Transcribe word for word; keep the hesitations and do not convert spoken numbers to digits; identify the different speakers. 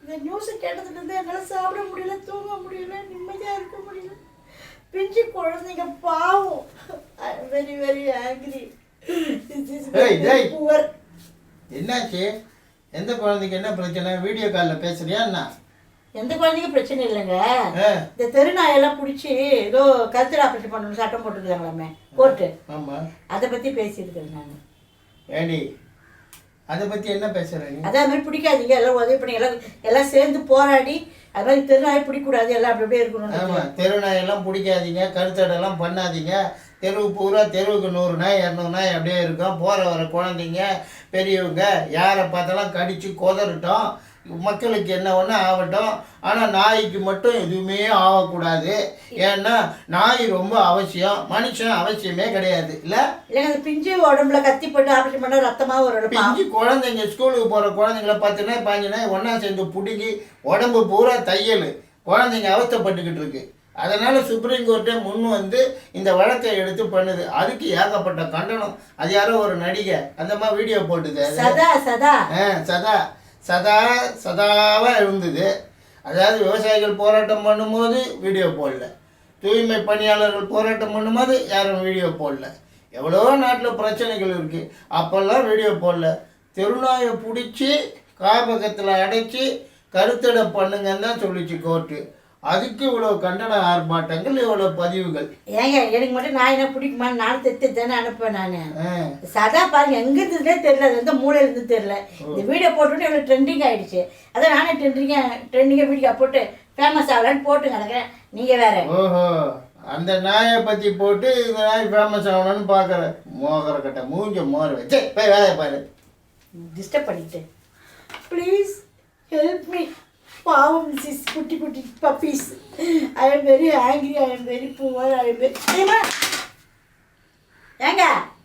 Speaker 1: இந்த நியூஸை கேட்டதுலேருந்து என்னால் சாப்பிட முடியல, தூங்க முடியல, நிம்மதியாக இருக்க முடியல. பிஞ்சு குழந்தைங்க பாவம். I am very very angry. Poor.
Speaker 2: என்னாச்சு? எந்த குழந்தைக்கு என்ன பிரச்சனை? வீடியோ காலில் பேசுறியா என்ன?
Speaker 1: எந்த குழந்தைக்கும் பிரச்சனை இல்லைங்க. இந்த தெருநாயெல்லாம் பிடிச்சி ஏதோ கருத்தர் ஆப்ரேஷன் பண்ணணும் சட்டம் போட்டுருக்காங்களாமே கோர்ட்டு.
Speaker 2: ஆமாம்,
Speaker 1: அதை பற்றி பேசியிருக்கேன் நான்.
Speaker 2: ஏடி அதை பற்றி என்ன பேசுகிறேன்?
Speaker 1: அதே மாதிரி பிடிக்காதீங்க, எல்லாம் உதவி பண்ணி எல்லாம் எல்லாம் சேர்ந்து போராடி அது மாதிரி தெருநாயை பிடிக்கக்கூடாது, எல்லாம் அப்படி அப்படியே இருக்கணும்.
Speaker 2: ஆமாம், தெருநாயெல்லாம் பிடிக்காதீங்க, கருத்தடெல்லாம் பண்ணாதீங்க. தெருவு பூரா தெருவுக்கு நூறு நாய் இரநூறு நாய் அப்படியே இருக்கும். போகிற வர குழந்தைங்க பெரியவங்க யாரை பார்த்தாலும் கடித்து கொதறட்டும், மக்களுக்கு என்ன ஒன்று ஆகட்டும். ஆனால் நாய்க்கு மட்டும் எதுவுமே ஆகக்கூடாது. ஏன்னா நாய் ரொம்ப அவசியம், மனுஷன் அவசியமே கிடையாது. இல்லை
Speaker 1: இல்லைங்க, அந்த பிஞ்சு உடம்புல கத்தி போட்டு ஆப்ரேஷன் பண்ணால் ரத்தமாக ஒரு
Speaker 2: பிஞ்சு குழந்தைங்க ஸ்கூலுக்கு போகிற குழந்தைங்கள பத்து நாய் பாஞ்சு நாய் ஒன்றா சேர்ந்து பிடிக்கி உடம்பு பூரா தையல், குழந்தைங்க அவஸ்தைப்பட்டுக்கிட்டு இருக்கு. அதனால் சுப்ரீம் கோர்ட்டே முன் வந்து இந்த வழக்கை எடுத்து பண்ணுது. அதுக்கு ஏகப்பட்ட கண்டனம். அது யாரோ ஒரு நடிகை அந்த மாதிரி வீடியோ போட்டுது.
Speaker 1: சதா சதா
Speaker 2: ஆ சதா சதா சதாவாக இருந்தது. அதாவது விவசாயிகள் போராட்டம் பண்ணும்போது வீடியோ போடல, தூய்மை பணியாளர்கள் போராட்டம் பண்ணும்போது யாரும் வீடியோ போடல. எவ்வளோ நாட்டில் பிரச்சனைகள் இருக்குது, அப்போல்லாம் வீடியோ போடல. தெருநாயை பிடிச்சி காப்பகத்தில் அடைச்சி கருத்தடை பண்ணுங்கன்னு தான் சொல்லிச்சு கோர்ட்டு. அதுக்கு இவ்வளோ கண்டன ஆர்ப்பாட்டங்கள், இவ்வளோ பதிவுகள்.
Speaker 1: ஏங்க எனக்கு மட்டும் நான் என்ன பிடிக்குமான்னு நான் தெத்து தானே அனுப்பேன். நான் சதா பாருங்க எங்கே இருந்ததுலே தெரியல, அது எந்த மூலையில இருந்து தெரியல. இந்த வீடியோ போட்டுவிட்டு எவ்வளோ ட்ரெண்டிங் ஆகிடுச்சு. அதான் நானே ட்ரெண்டிங்காக ட்ரெண்டிங்காக வீடியோ போட்டு ஃபேமஸ் ஆகலான்னு போட்டு கிடக்கிறேன். நீங்கள் வேற
Speaker 2: ஓஹோ, அந்த நாயை பற்றி போட்டு இந்த நாய் ஃபேமஸ் ஆகணும்னு பார்க்குறேன். மோகர கட்ட மூஞ்ச மோர வச்சு போய் வேலையை பாரு.
Speaker 1: டிஸ்டர்ப் பண்ணிட்டு ப்ளீஸ் ஹெல்ப் மீ. பாவம் சிஸ், குட்டி குட்டி puppies. I am very angry, I am very poor, I am very ஏங்க